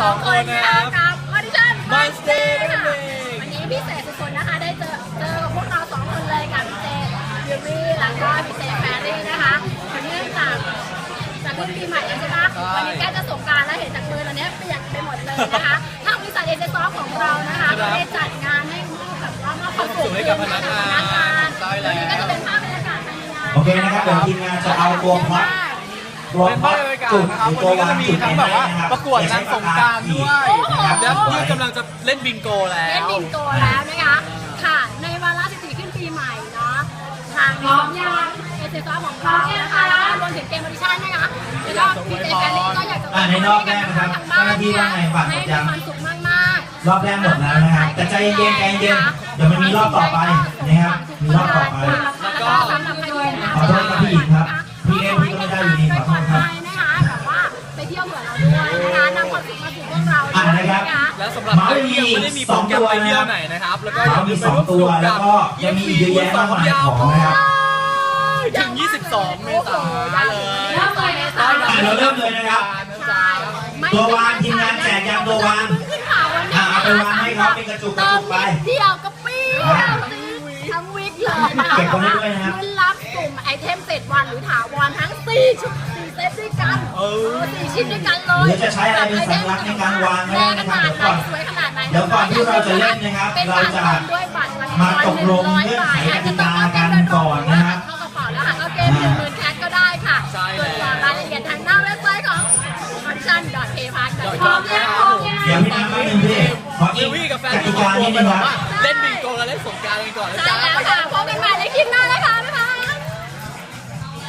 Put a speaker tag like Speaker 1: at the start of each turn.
Speaker 1: 2 คนนะครับ
Speaker 2: กับออดิชั่น
Speaker 1: Monster นั่นเอง
Speaker 2: วันนี้พิเศษสุดๆนะคะได้เจอกับพวกเรา2 คนเลยกับพี่เจยูรี่แล้วก็พี่เจแฟรี่นะคะวันนี้จากขึ้นปีใหม่ใช่ไหมวันนี้แกจะสงกรานต์แล้วเห็นจากมือตอนนี้เปียกไปหมดเลยนะคะทางบริษัทเอเจซอฟของเรานะคะก็ได้จัดงานให้มอบแบบว่ามอบความสุขให้กับพนักงานวันนี้ก็จะเป็นภาพบรรยากาศภายในงาน
Speaker 3: โอเคนะครับเดี๋ยวทีมงานจะเอาตัวพล็อต
Speaker 1: เป็นภาพบรรยากาศนะครับวันนี้ก็จะมีทั้งแบบว่าประกวดนางสงกรานต์ด้วยแล้วนี่กำลังจะเล่นบิงโกแล้ว
Speaker 2: เล่นบิงโกแล้วนะคะค่ะในวาระ14ขึ้นปีใหม่เนาะทางน้องยาเอเจซอฟของเรานะคะแล้วก็รวมถึงเกมออดิชั่นนะคะแล้วก็พี่เจแฟรี่ก็อยากจะ
Speaker 3: ในรอบแรกนะครับเจ้าหน้าที่ว่าไงฝาก
Speaker 2: ให้
Speaker 3: จ
Speaker 2: มีความสุขมากๆ
Speaker 3: รอบแรกหมดแล้วนะครับแต่ใจเย็นๆใจเย็นๆเดี๋ยวมันมีรอบต่อไปนะครับมีรอบต่อไป
Speaker 2: แล้วก็สำหรับใครที่
Speaker 3: ขอโทษครับพี่หญิงครับพี่เอ็มพี่ก็ไม่ได้อยู่ดีขอโทษครับ
Speaker 2: นะคะแบบว่าไปเที่ยวเผื่อเราด้วยนะคะนำความสุขมาสู่พวกเราด้วยนะคะ
Speaker 1: แล้วสำหรับใครที่ยังไม่ได้มีโปรแกรมไปเที่ยวไหนนะครับแล้วก็อย่าลืมไปร่วมสนุกกับ
Speaker 3: ยังมีเยอะแยะมากมายของนะครับ
Speaker 1: ถึง 22 เมษายนเลย
Speaker 3: เราเริ่มเลยนะครับ ตัววางทีมงานแจกยางตัววางเอาไปวางให้เขาเป็นกระจุกไป
Speaker 2: เที่ยวกระปี้ทั้งวิกเลยนะคะ
Speaker 3: เก็บไว้ด้วยนะครับ
Speaker 2: รุ่นรับกลุ่มไอเทม7 วันหรือถาวรทั้ง4 ชุด4 เซตด้วยกัน4 ชิ้นด้วยกันเลย
Speaker 3: เดี๋ยวจะใช้อะไรเป็นสัญลักษณ์ในการวางให้ได้นะครับ
Speaker 2: สวยขนาดไหน
Speaker 3: เดี๋ยวก่อนที่เราจะเล่นนะครับเราจะมาตกลงเงื่อนไขกติกากันก่อนนะครับ
Speaker 2: เข้ากระเป๋าแล้วหาเข้าเกม10,000 แคทก็ได้ค่ะตรวจสอบรายละเอียดทางหน้าเว็บไซต์ของ function.paypark.com
Speaker 3: เดี๋ยวพี่น้ำแป๊บนึงพี่ขออี
Speaker 1: วิ
Speaker 3: ก
Speaker 1: วี่กับแฟน
Speaker 3: กติ
Speaker 1: ที่
Speaker 3: กา
Speaker 1: ตัว
Speaker 3: นิด
Speaker 1: ไป
Speaker 3: นึง
Speaker 1: บอก
Speaker 3: ครับ
Speaker 1: ว่าเล่นบิงโกกับเล่นสงกรานต์กันก่อนนะจ๊ะไป